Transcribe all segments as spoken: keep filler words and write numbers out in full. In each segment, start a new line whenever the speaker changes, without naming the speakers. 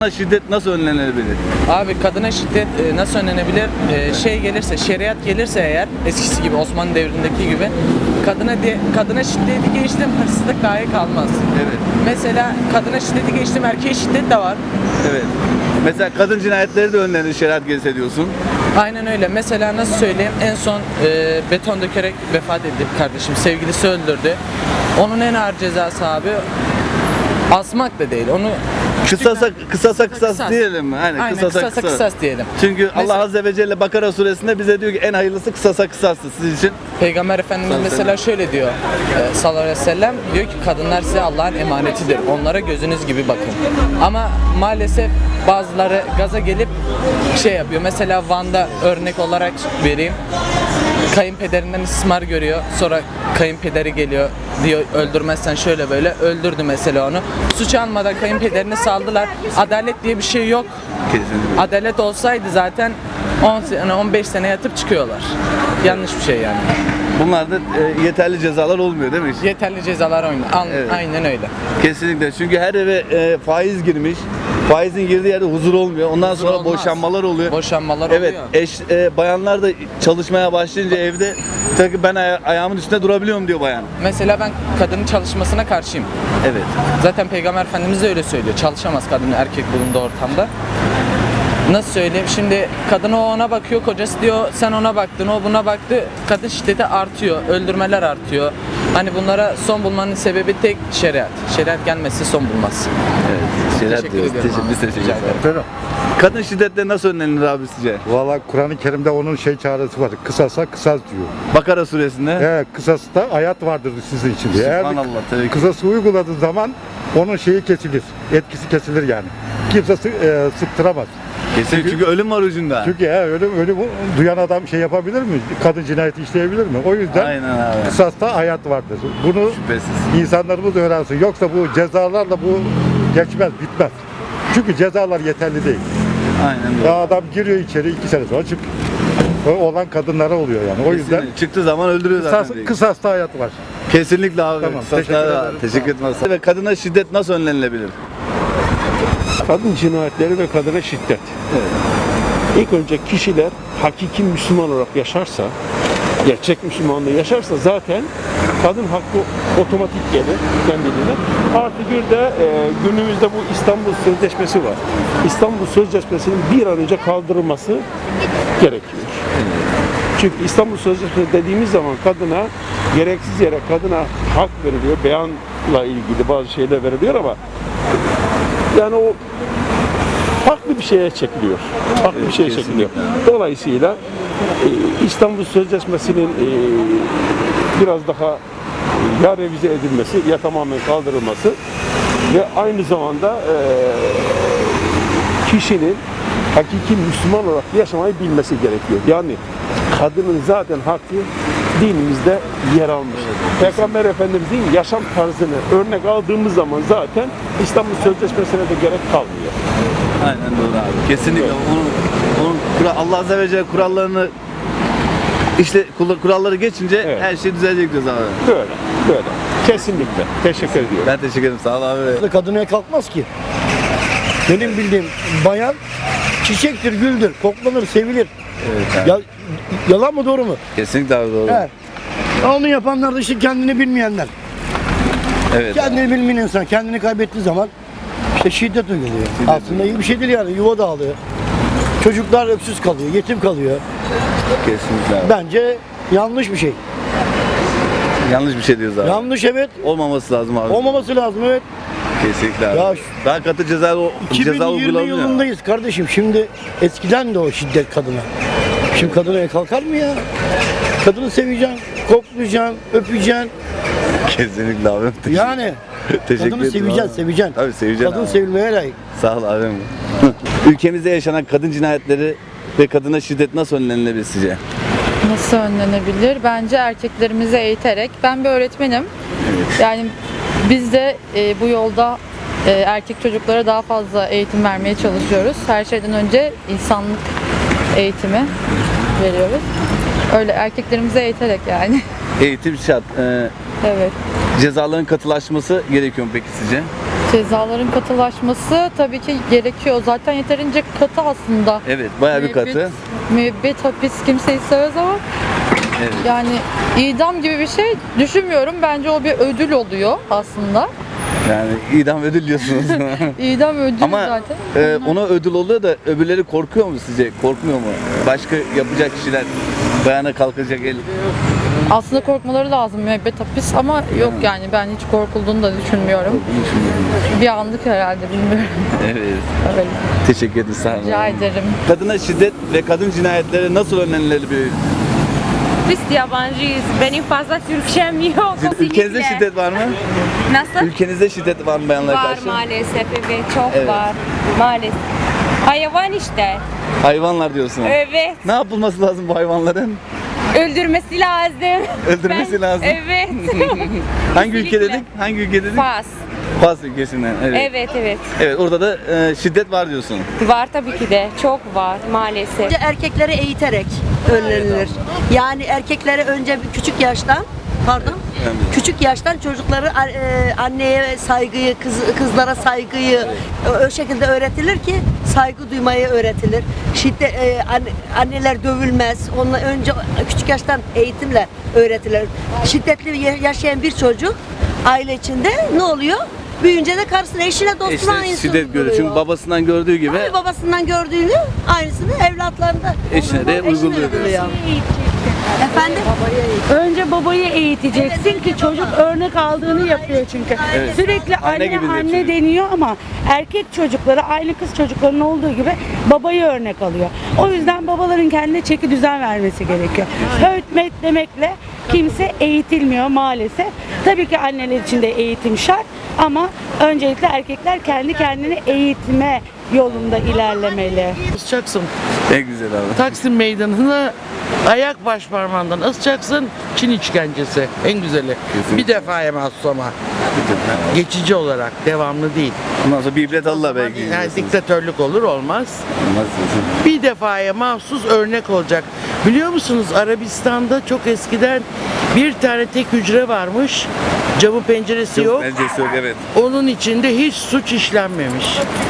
Şiddet nasıl önlenebilir?
Abi kadına şiddet e, nasıl önlenebilir? E, şey gelirse, şeriat gelirse eğer eskisi gibi Osmanlı devrindeki gibi kadına diye kadına şiddeti geçtim hırsızlık dahi kalmaz.
Evet.
Mesela kadına şiddeti geçtim erkeğe şiddet de var.
Evet. Mesela kadın cinayetleri de önlenir şeriat gelse diyorsun.
Aynen öyle. Mesela nasıl söyleyeyim? En son e, beton dökerek vefat etti kardeşim. Sevgilisi öldürdü. Onun en ağır cezası abi asmak da değil. Onu
Kısasa kısasa kısas
kısas.
diyelim mi? Aynen,
Aynen
kısasa
kısasa
kısas.
kısas diyelim.
Çünkü
Mesela-
Allah Azze ve Celle Bakara suresinde bize diyor ki en hayırlısı kısasa kısastır sizin için.
Peygamber Efendimiz
Sallallahu
mesela şöyle diyor e, sallallahu aleyhi ve sellem diyor ki kadınlar size Allah'ın emanetidir. Onlara gözünüz gibi bakın. Ama maalesef bazıları gaza gelip şey yapıyor. Mesela Van'da örnek olarak vereyim. Kayınpederinden istismar görüyor. Sonra kayınpederi geliyor diyor öldürmezsen şöyle böyle öldürdü mesela onu. Suç almadan kayınpederini saldılar. Adalet diye bir şey yok.
Kesinlikle.
Adalet olsaydı zaten on sene on beş sene yatıp çıkıyorlar. Yanlış bir şey yani.
Bunlarda e, yeterli cezalar olmuyor değil mi?
Yeterli cezalar oynuyor. Al-
Evet.
Aynen öyle.
Kesinlikle. Çünkü her eve e, faiz girmiş. Faizin girdiği yerde huzur olmuyor. Ondan
Huzur
sonra
olmaz.
boşanmalar oluyor.
Boşanmalar
Evet,
oluyor.
eş e, bayanlar da çalışmaya başlayınca evde tabii ben aya- ayağımın üstünde durabiliyorum diyor bayan.
Mesela ben kadının çalışmasına karşıyım.
Evet.
Zaten Peygamber Efendimiz de öyle söylüyor. Çalışamaz kadın erkek bulunduğu ortamda. Nasıl söyleyeyim? Şimdi kadın o ona bakıyor, kocası diyor sen ona baktın, o buna baktı. Kadın şiddeti artıyor, öldürmeler artıyor. Hani bunlara son bulmanın sebebi tek şeriat. Şeriat gelmezse son bulmaz.
Evet. Şeyler
Teşekkür
diyoruz.
ediyorum
Teşekkür,
abi.
biz teşekkür
Rica
ederiz.
ederim.
Kadın şiddetle nasıl önlenir abi sizce?
Valla Kur'an-ı Kerim'de onun şey çaresi var. Kısasa kısas diyor.
Bakara suresinde.
Evet, kısasta hayat vardır sizin için diye. Eğer
Subhanallah, tabii ki.
kısası uyguladığı zaman onun şeyi kesilir. Etkisi kesilir yani. Kimse sı- e, sıktıramaz.
Kesin çünkü ölüm var ucunda.
Çünkü he, ölüm, ölüm duyan adam şey yapabilir mi? Kadın cinayeti işleyebilir mi? O yüzden
Aynen abi.
kısasta hayat vardır. Bunu
Şüphesiz.
insanlarımız öğrensin. Yoksa bu cezalarla bu geçmez, bitmez. Çünkü cezalar yeterli değil.
Aynen doğru.
Ya adam giriyor içeri iki sene sonra çık. O olan kadınlara oluyor yani. O yüzden
Kesinlikle. Çıktığı zaman öldürüyor
kısas,
zaten.
kısasta hayat var.
Kesinlikle abi.
Tamam,
Kısas-
teşekkür ederim.
Teşekkür ederim. Ve kadına şiddet nasıl önlenilebilir?
Kadın cinayetleri ve kadına şiddet. İlk önce kişiler hakiki Müslüman olarak yaşarsa, gerçek Müslümanlığı yaşarsa zaten kadın hakkı otomatik gelir kendiliğinden. Artı bir de e, günümüzde bu İstanbul Sözleşmesi var. İstanbul Sözleşmesi'nin bir an önce kaldırılması gerekiyor. Çünkü İstanbul Sözleşmesi dediğimiz zaman kadına gereksiz yere kadına hak veriliyor, beyanla ilgili bazı şeyler veriliyor ama yani o farklı bir şeye çekiliyor. Farklı bir şeye çekiliyor. Dolayısıyla e, İstanbul Sözleşmesi'nin e, biraz daha ya revize edilmesi ya tamamen kaldırılması ve aynı zamanda e, kişinin hakiki Müslüman olarak yaşamayı bilmesi gerekiyor. Yani kadının zaten hakkı dinimizde yer almış. Peygamber Efendimiz'in yaşam tarzını örnek aldığımız zaman zaten İstanbul Sözleşmesi'ne de gerek kalmıyor.
Aynen doğru abi. Kesinlikle. Onun, onun kura- Allah Azze ve Celle kurallarını işte kur- kuralları geçince
Evet.
her şey düzelecek diyoruz abi.
Böyle, böyle. Kesinlikle. Teşekkür ediyorum.
Ben teşekkür ederim. Sağ ol abi.
Kadına kalkmaz ki. Benim bildiğim bayan çiçektir, güldür, koklanır, sevilir.
Evet abi.
Ya, yalan mı doğru mu?
Kesinlikle abi doğru.
Evet. Onu yapanlar da işte kendini bilmeyenler.
Evet.
Kendini bilmeyen insan kendini kaybettiği zaman işte şiddet uyguluyor. Aslında iyi bir şey değil yani. Yuva dağılıyor. Çocuklar öksüz kalıyor, yetim kalıyor.
Kesinlikle abi.
Bence yanlış bir şey.
Yanlış bir şey diyoruz abi.
Yanlış evet.
Olmaması lazım abi.
Olmaması lazım evet.
Kesinlikle abi.
Ya şu-
Daha katı ceza, o- ceza
iki bin yirmi
uygulanıyor.
yılındayız kardeşim. Şimdi eskiden de o şiddet kadına. Şimdi kadına el kalkar mı ya? Kadını seveceksin, koklayacaksın, öpeceksin.
Kesinlikle abi. Teşekkür-
Yani
Teşekkür
kadını
ederim
seveceksin,
abi.
seveceksin.
Tabii seveceksin
Kadın
abi.
sevilmeye layık.
Sağ ol abim. Ülkemizde yaşanan kadın cinayetleri ve kadına şiddet nasıl önlenilebilir sizce?
Nasıl önlenebilir? Bence erkeklerimizi eğiterek. Ben bir öğretmenim. Yani biz de e, bu yolda e, erkek çocuklara daha fazla eğitim vermeye çalışıyoruz. Her şeyden önce insanlık eğitimi veriyoruz. Öyle erkeklerimizi eğiterek yani.
Eğitim şart. Ee,
Evet.
cezaların katılaşması gerekiyor mu peki sizce?
Cezaların katılaşması tabii ki gerekiyor. Zaten yeterince katı aslında.
Evet, bayağı bir
Müebbet-
katı.
Müebbet hapis kimseyi sevmez ama
Evet.
yani idam gibi bir şey düşünmüyorum. Bence o bir ödül oluyor aslında.
Yani idam ödül diyorsunuz.
İdam ödül
Ama
zaten.
e,
Onlar-
ona ödül oluyor da öbürleri korkuyor mu sizce? Korkmuyor mu? Başka yapacak kişiler bayana kalkacak el.
Aslında korkmaları lazım müebbet hapis ama yok yani ben hiç korkulduğunu da düşünmüyorum. Bir anlık herhalde bilmiyorum.
Evet.
Öyle.
Teşekkür ederim. Sağ olun.
Rica ederim.
Kadına şiddet ve kadın cinayetleri nasıl önlenmeli?
Biz yabancıyız. Benim fazla Türkçem yok.
Ülkenizde şiddet var mı?
Nasıl?
Ülkenizde şiddet var mı bayanlara
Var
karşı?
maalesef, evet, çok
Evet.
var. Maalesef. Hayvan işte.
Hayvanlar diyorsun.
Evet.
Ne yapılması lazım bu hayvanların?
Öldürmesi lazım.
Öldürmesi
Ben-
lazım.
Evet.
Hangi ülke
Kesinlikle.
dedik? Hangi ülke dedik?
Fas.
Fas ülkesinden. Evet. evet.
Evet, evet.
Evet, orada da e, şiddet var diyorsun.
Var tabii ki de. Çok var maalesef.
Önce erkekleri eğiterek önlenilir. Yani erkekleri önce bir küçük yaştan, pardon, küçük yaştan çocukları e, anneye saygıyı, kız, kızlara saygıyı o, o şekilde öğretilir ki saygı duymayı öğretilir. Şiddet e, anne- anneler dövülmez. Onunla önce küçük yaştan eğitimle öğretilir. Şiddetli ya- yaşayan bir çocuk aile içinde ne oluyor? Büyüyünce de karşısına, eşine, dostuna
İşte
aynısını
şiddet görüyor. Çünkü
uyguluyor.
babasından gördüğü gibi
Tabii babasından gördüğünü aynısını evlatlarında
eşine de uyguluyor.
Efendim?
Önce babayı eğiteceksin ki çocuk örnek aldığını yapıyor çünkü.
Evet.
Sürekli
Anne
anne
gibi
anne,
diyor çocuk.
deniyor ama erkek çocukları aynı kız çocuklarının olduğu gibi babayı örnek alıyor. O yüzden babaların kendine çeki düzen vermesi gerekiyor. Öğütmek demekle kimse eğitilmiyor maalesef. Tabii ki anneler için de eğitim şart ama öncelikle erkekler kendi kendini eğitme yolunda ilerlemeli.
Asacaksın.
Ne güzel abi.
Taksim meydanını ayak baş parmağından asacaksın. Çin işkencesi. En güzeli. Bir defaya mahsus ama. Geçici olarak. Devamlı değil.
Ondan sonra bir ibret Allah belki.
Yani
diyorsunuz.
diktatörlük olur olmaz.
Olmaz diyorsun.
Bir defaya mahsus örnek olacak. Biliyor musunuz Arabistan'da çok eskiden bir tane tek hücre varmış. Camı penceresi yok.
Bencesi yok, evet.
Onun içinde hiç suç işlenmemiş.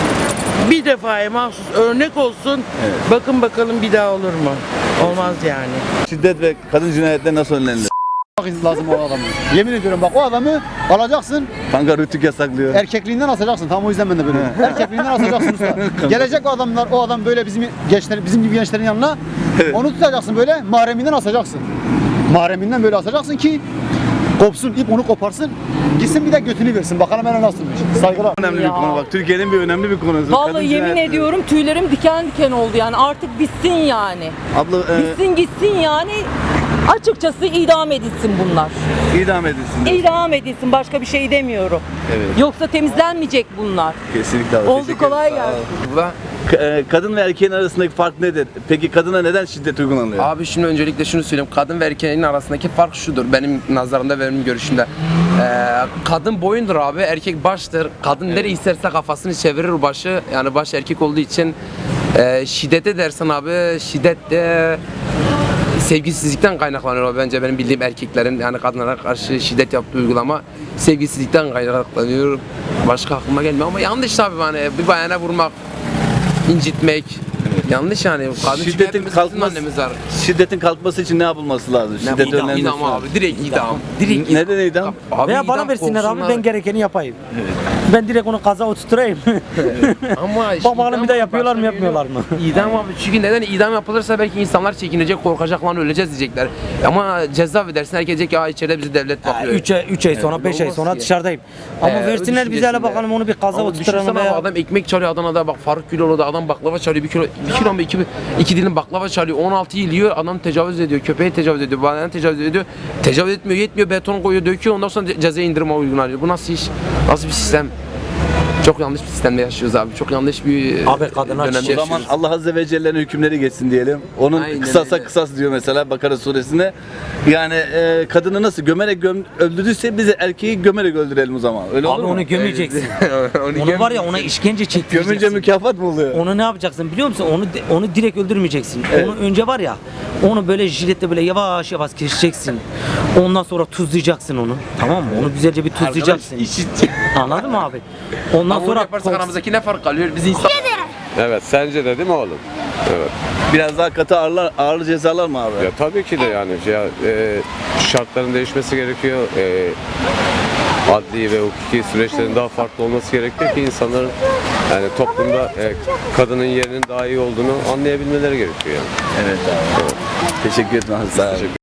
Bir defaya mahsus örnek olsun. Bakın bakalım bir daha olur mu? Olmaz yani.
Şiddet ve kadın cinayetleri nasıl önlenilir?
lazım o adamı. Yemin ediyorum bak o adamı alacaksın,
Kanka rütük yasaklıyor.
erkekliğinden asacaksın. Tam o yüzden ben de böyle. Erkekliğinden asacaksın usta. Gelecek o adamlar, o adam böyle bizim gençler, bizim gibi gençlerin yanına. Onu tutacaksın böyle, mahreminden asacaksın. Mahreminden böyle asacaksın ki kopsun, ip onu koparsın. Gitsin bir de götünü versin. Bakalım hele nasılmış. Saygılar.
Önemli bir konu bak. Türkiye'nin bir önemli bir konusu.
Vallahi
Kadın
yemin
cinayetleri.
ediyorum tüylerim diken diken oldu yani artık bitsin yani.
Abla e,
Bitsin gitsin yani. Açıkçası idam edilsin bunlar.
idam edilsin. diyor.
İdam edilsin başka bir şey demiyorum.
Evet.
Yoksa temizlenmeyecek bunlar.
Kesinlikle abi.
Oldu,
Teşekkür
kolay
ederim. Sağ ol.
gelsin.
Ka- e, Kadın ve erkeğin arasındaki fark nedir? Peki kadına neden şiddet uygulanıyor?
Abi şimdi öncelikle şunu söyleyeyim. Kadın ve erkeğin arasındaki fark şudur. Benim nazarımda, benim görüşümde. Ee, kadın boyundur abi, erkek baştır. Kadın nereye isterse kafasını çevirir başı. Yani baş erkek olduğu için e, şiddete dersen abi, şiddet de sevgisizlikten kaynaklanıyor abi. Bence benim bildiğim erkeklerin yani kadınlara karşı şiddet yaptığı uygulama sevgisizlikten kaynaklanıyor. Başka aklıma gelmiyor ama yanlış tabii hani bir bayana vurmak, incitmek. Yanlış yani. Kadın çünkü
Şiddetin
hepimiz, bizim
kalkması,
annemiz var.
şiddetin kalkması için ne yapılması lazım? Şiddet
idam,
önlenmesi
idam
lazım.
abi, direkt idam. Direkt
Neden idam?
Abi
Veya bana
idam
versinler abi
korksunlar.
ben gerekeni yapayım. Ben direkt onu kaza oturtturayım.
Ama işte
Bakalım
idam
bir de yapıyorlar mı
başka bir
yapmıyorlar
yolu-
mı?
İdam abi çünkü neden idam yapılırsa belki insanlar çekinecek, korkacak lan öleceğiz diyecekler. Ama ceza edersin herkes diyecek ya içeride bizi devlet bakıyor.
üç ay, üç ay sonra beş ay
olmaz
sonra
ki.
dışarıdayım. Ama
Ee,
versinler
öyle
bize hele
düşüncesinle.
bakalım onu bir kaza
Ama
oturtturalım
düşünsene
veya.
abi, adam ekmek çalıyor Adana'da bak Faruk Güloğlu'da adam baklava çalıyor bir kilo bir kilo mu iki, iki dilim baklava çalıyor on altı yıl yiyor adam tecavüz ediyor köpeğe tecavüz ediyor bayanı tecavüz ediyor tecavüz etmiyor yetmiyor beton koyuyor döküyor ondan sonra ce- cezaya indirme uygulanıyor bu nasıl iş nasıl bir sistem çok yanlış bir sistemde yaşıyoruz abi çok yanlış bir
Abi kadınlar
dönemde
O zaman
yaşıyoruz.
Allah Azze ve Celle'nin hükümleri geçsin diyelim. Onun
Aynen
kısasa
öyle.
kısas diyor mesela Bakara suresinde. Yani e, kadını nasıl gömerek göm, öldürdüyse biz de erkeği gömerek öldürelim o zaman. Öyle
Abi
olur mu?
onu gömeceksin.
Onu
Onu var ya
göm-
ona işkence çektireceksin.
Gömünce mükafat mı oluyor?
Onu ne yapacaksın biliyor musun? Onu onu direkt öldürmeyeceksin.
Evet.
Onu önce var ya Onu böyle jiletle böyle yavaş yavaş keseceksin. Ondan sonra tuzlayacaksın onu. Tamam mı? Onu güzelce bir tuzlayacaksın. Anladın mı abi? Ondan sonra
yaparsak aramızdaki ne fark kalıyor? Biz insan
Evet, sence de değil mi oğlum? Evet.
Biraz daha katı ağırlar, ağır cezalar mı abi?
Ya tabii ki de yani ya, e, şartların değişmesi gerekiyor. E, adli ve hukuki süreçlerin daha farklı olması gerekiyor ki insanların yani toplumda e, kadının yerinin daha iyi olduğunu anlayabilmeleri gerekiyor yani.
Evet abi.
Evet.
Teşekkür ederim. Sağ olun.